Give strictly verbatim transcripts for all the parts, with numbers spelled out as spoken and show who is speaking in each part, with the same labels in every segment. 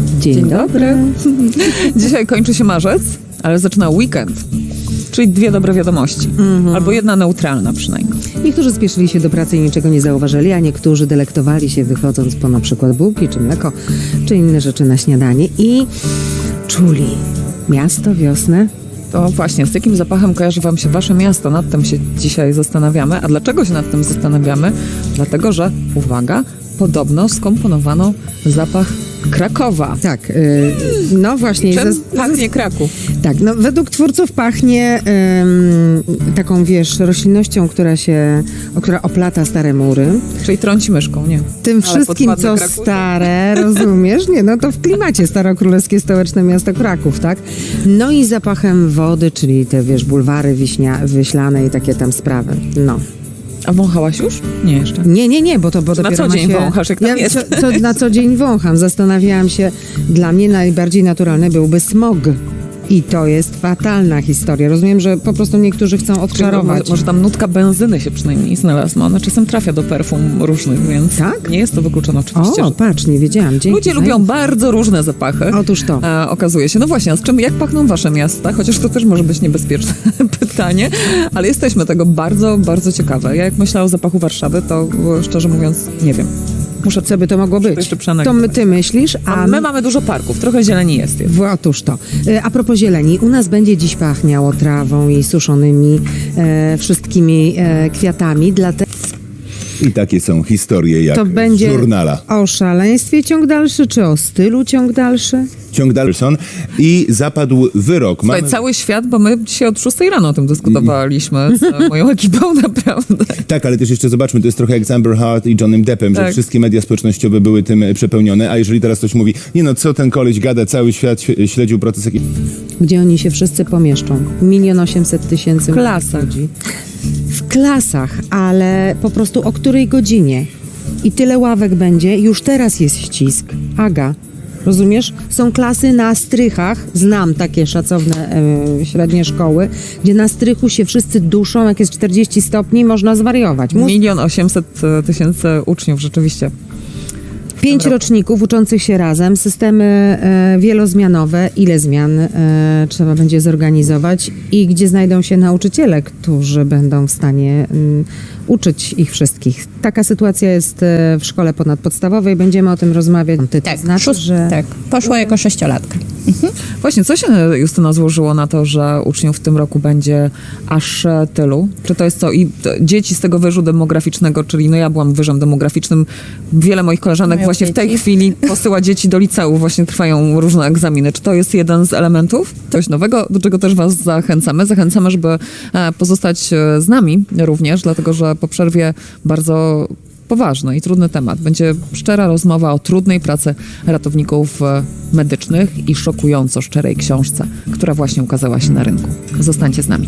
Speaker 1: Dzień,
Speaker 2: Dzień
Speaker 1: dobry. Dzisiaj kończy się marzec, ale zaczyna weekend. Czyli dwie dobre wiadomości. Mm-hmm. Albo jedna neutralna przynajmniej.
Speaker 2: Niektórzy spieszyli się do pracy i niczego nie zauważyli, a niektórzy delektowali się wychodząc po na przykład bułki, czy mleko, czy inne rzeczy na śniadanie i czuli miasto, wiosnę.
Speaker 1: To właśnie, z jakim zapachem kojarzy wam się wasze miasto? Nad tym się dzisiaj zastanawiamy. A dlaczego się nad tym zastanawiamy? Dlatego, że, uwaga, podobno skomponowano zapach Krakowa.
Speaker 2: Tak, yy, no właśnie.
Speaker 1: Czym
Speaker 2: zas-
Speaker 1: pachnie Kraków?
Speaker 2: Tak, no według twórców pachnie ym, taką, wiesz, roślinnością, która się, o, która oplata stare mury.
Speaker 1: Czyli trąci myszką, nie?
Speaker 2: Tym
Speaker 1: Ale
Speaker 2: wszystkim,
Speaker 1: pod
Speaker 2: co
Speaker 1: ładny Kraków?
Speaker 2: stare, rozumiesz? Nie, no to w klimacie starokrólewskie stołeczne miasto Kraków, tak? No i zapachem wody, czyli te, wiesz, bulwary wiśnia, wyślane i takie tam sprawy. No.
Speaker 1: A wąchałaś już? Nie, jeszcze.
Speaker 2: Nie, nie, nie, bo to bo
Speaker 1: Na
Speaker 2: dopiero
Speaker 1: co
Speaker 2: ma
Speaker 1: dzień
Speaker 2: się...
Speaker 1: wąchasz, jak tam
Speaker 2: ja
Speaker 1: jest?
Speaker 2: Co, co, na co dzień wącham. Zastanawiałam się, dla mnie najbardziej naturalny byłby smog. I to jest fatalna historia. Rozumiem, że po prostu niektórzy chcą odczarować.
Speaker 1: Może, może tam nutka benzyny się przynajmniej znalazła. Ona czasem trafia do perfum różnych, więc
Speaker 2: Tak?
Speaker 1: nie jest to wykluczone oczywiście.
Speaker 2: O,
Speaker 1: że...
Speaker 2: patrz, nie wiedziałam. Dzięki.
Speaker 1: Ludzie lubią bardzo różne zapachy.
Speaker 2: Otóż to.
Speaker 1: E, okazuje się. No właśnie, a z czym, jak pachną wasze miasta? Chociaż to też może być niebezpieczne pytanie, ale jesteśmy tego bardzo, bardzo ciekawe. Ja jak myślę o zapachu Warszawy, to e, szczerze mówiąc nie wiem. Muszę
Speaker 2: Co by to mogło być?
Speaker 1: jeszcze
Speaker 2: To
Speaker 1: przeanalizować.
Speaker 2: my, ty myślisz, a
Speaker 1: A my mamy dużo parków, trochę zieleni jest. jest.
Speaker 2: W, otóż to. E, A propos zieleni, u nas będzie dziś pachniało trawą i suszonymi e, wszystkimi e, kwiatami, dlatego
Speaker 3: I takie są historie jak
Speaker 2: to będzie
Speaker 3: z żurnala.
Speaker 2: o szaleństwie ciąg dalszy, czy o stylu ciąg dalszy?
Speaker 3: Ciąg Dalson i zapadł wyrok.
Speaker 1: Słuchaj,
Speaker 3: Mamy-
Speaker 1: cały świat, bo my dzisiaj od szóstej rano o tym dyskutowaliśmy z moją ekipą, naprawdę.
Speaker 3: Tak, ale też jeszcze zobaczmy, to jest trochę jak z Amber Heard i Johnnym Deppem, że
Speaker 1: Tak.
Speaker 3: wszystkie media społecznościowe były tym e, przepełnione, a jeżeli teraz ktoś mówi, nie no, co ten koleś gada, cały świat św- śledził proces jakiś...
Speaker 2: Gdzie oni się wszyscy pomieszczą? Milion osiemset tysięcy
Speaker 1: Klasach.
Speaker 2: ludzi. W klasach, ale po prostu o której godzinie? I tyle ławek będzie, już teraz jest ścisk. Aga, rozumiesz? Są klasy na strychach, znam takie szacowne e, średnie szkoły, gdzie na strychu się wszyscy duszą, jak jest czterdzieści stopni, można zwariować. Mus-
Speaker 1: Milion osiemset tysięcy uczniów, rzeczywiście.
Speaker 2: Pięć roczników uczących się razem, systemy e, wielozmianowe, ile zmian e, trzeba będzie zorganizować i gdzie znajdą się nauczyciele, którzy będą w stanie mm, uczyć ich wszystkich. Taka sytuacja jest e, w szkole ponadpodstawowej, będziemy o tym rozmawiać. To
Speaker 4: Tak,
Speaker 2: znaczy,
Speaker 4: szóst-
Speaker 2: że...
Speaker 4: tak, poszła jako sześciolatka.
Speaker 1: Właśnie, co się, Justyna, złożyło na to, że uczniów w tym roku będzie aż e, tylu? Czy to jest co? I to, dzieci z tego wyżu demograficznego, czyli no ja byłam wyżem demograficznym, wiele moich koleżanek
Speaker 4: Mają
Speaker 1: właśnie w tej
Speaker 4: dzieci.
Speaker 1: chwili posyła dzieci do liceów, właśnie trwają różne egzaminy. Czy to jest jeden z elementów? Coś nowego, do czego też was zachęcamy. Zachęcamy, żeby e, pozostać e, z nami również, dlatego że po przerwie bardzo poważny i trudny temat. Będzie szczera rozmowa o trudnej pracy ratowników e, medycznych i szokująco szczerej książce, która właśnie ukazała się na rynku. Zostańcie z nami.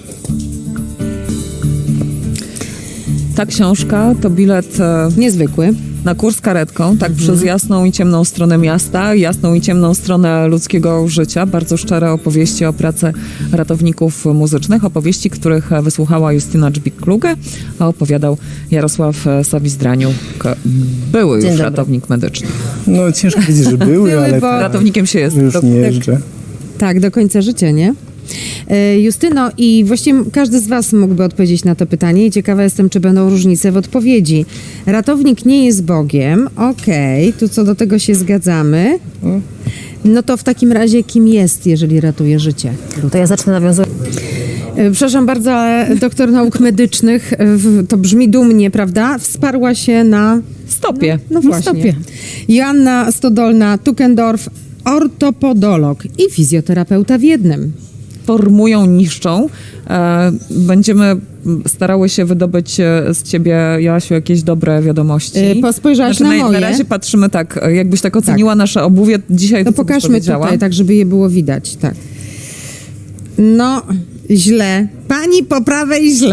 Speaker 1: Ta książka to bilet e,
Speaker 2: Niezwykły.
Speaker 1: na kurs karetką, tak przez jasną i ciemną stronę miasta, jasną i ciemną stronę ludzkiego życia. Bardzo szczere opowieści o pracy ratowników muzycznych, opowieści, których wysłuchała Justyna Dżbik-Kluge, a opowiadał Jarosław Sawizdraniuk, były
Speaker 4: Dzień
Speaker 1: już
Speaker 4: dobry.
Speaker 1: ratownik medyczny.
Speaker 5: No ciężko powiedzieć, że były,
Speaker 2: Były,
Speaker 5: ale
Speaker 2: bo-
Speaker 5: tak,
Speaker 1: Ratownikiem się jest.
Speaker 5: już
Speaker 1: To-
Speaker 5: nie jeżdżę.
Speaker 2: Tak, do końca życia, nie? E, Justyno, i właściwie każdy z was mógłby odpowiedzieć na to pytanie i ciekawa jestem, czy będą różnice w odpowiedzi. Ratownik nie jest Bogiem, okej, tu co do tego się zgadzamy. No to w takim razie kim jest, jeżeli ratuje życie?
Speaker 4: To ja zacznę nawiązywać.
Speaker 2: E, Przepraszam bardzo, ale doktor nauk medycznych, e, w- to brzmi dumnie, prawda? Wsparła się na...
Speaker 1: Stopie.
Speaker 2: No
Speaker 4: Na
Speaker 2: właśnie.
Speaker 4: stopie.
Speaker 2: Joanna Stodolna-Tukendorf, ortopodolog i fizjoterapeuta w jednym.
Speaker 1: Formują, niszczą. E, będziemy starały się wydobyć e, z ciebie, Joasiu, jakieś dobre wiadomości.
Speaker 2: E, po- spojrzałaś
Speaker 1: znaczy,
Speaker 2: na
Speaker 1: na,
Speaker 2: moje?
Speaker 1: na razie patrzymy tak, e, jakbyś tak oceniła nasze obuwie dzisiaj.
Speaker 2: To
Speaker 1: co byś
Speaker 2: pokażmy
Speaker 1: powiedziała?
Speaker 2: tutaj, tak żeby je było widać, tak. No, źle. Pani po prawej źle.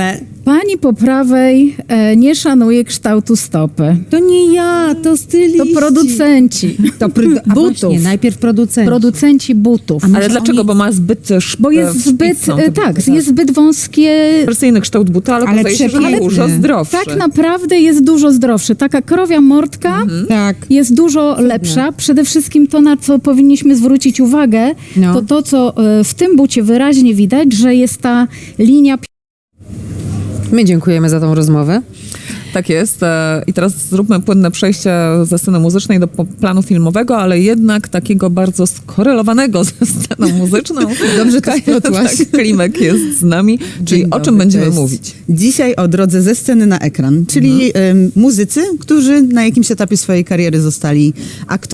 Speaker 6: Pani po prawej e, nie szanuje kształtu stopy.
Speaker 2: To nie ja, to styliści.
Speaker 6: To producenci
Speaker 2: To pr- a
Speaker 6: butów.
Speaker 2: właśnie, najpierw producenci.
Speaker 6: Producenci butów.
Speaker 1: Ale dlaczego? Bo ma zbyt szp-
Speaker 6: Bo jest zbyt,
Speaker 1: szpicą,
Speaker 6: e,
Speaker 1: te
Speaker 6: tak,
Speaker 1: buty,
Speaker 6: jest zbyt wąskie.
Speaker 1: Persyjny kształt buta, ale,
Speaker 2: Ale
Speaker 1: okazuje się, że
Speaker 2: przepiękny.
Speaker 1: dużo zdrowszy.
Speaker 6: Tak naprawdę jest dużo zdrowszy. Taka krowia mordka
Speaker 2: Tak.
Speaker 6: jest dużo lepsza. Przede wszystkim to, na co powinniśmy zwrócić uwagę,
Speaker 2: No.
Speaker 6: to to, co e, w tym bucie wyraźnie widać, że jest ta linia.
Speaker 2: My dziękujemy za tą rozmowę.
Speaker 1: Tak jest. E, I teraz zróbmy płynne przejście ze sceny muzycznej do po- planu filmowego, ale jednak takiego bardzo skorelowanego ze sceną muzyczną.
Speaker 7: Dobrze to splotłaś.
Speaker 1: Tak, Klimek jest z nami. Czyli
Speaker 7: Dzień
Speaker 1: o czym
Speaker 7: dobry,
Speaker 1: będziemy
Speaker 7: cześć.
Speaker 1: mówić?
Speaker 7: Dzisiaj o drodze ze sceny na ekran, czyli em, muzycy, którzy na jakimś etapie swojej kariery zostali aktorami.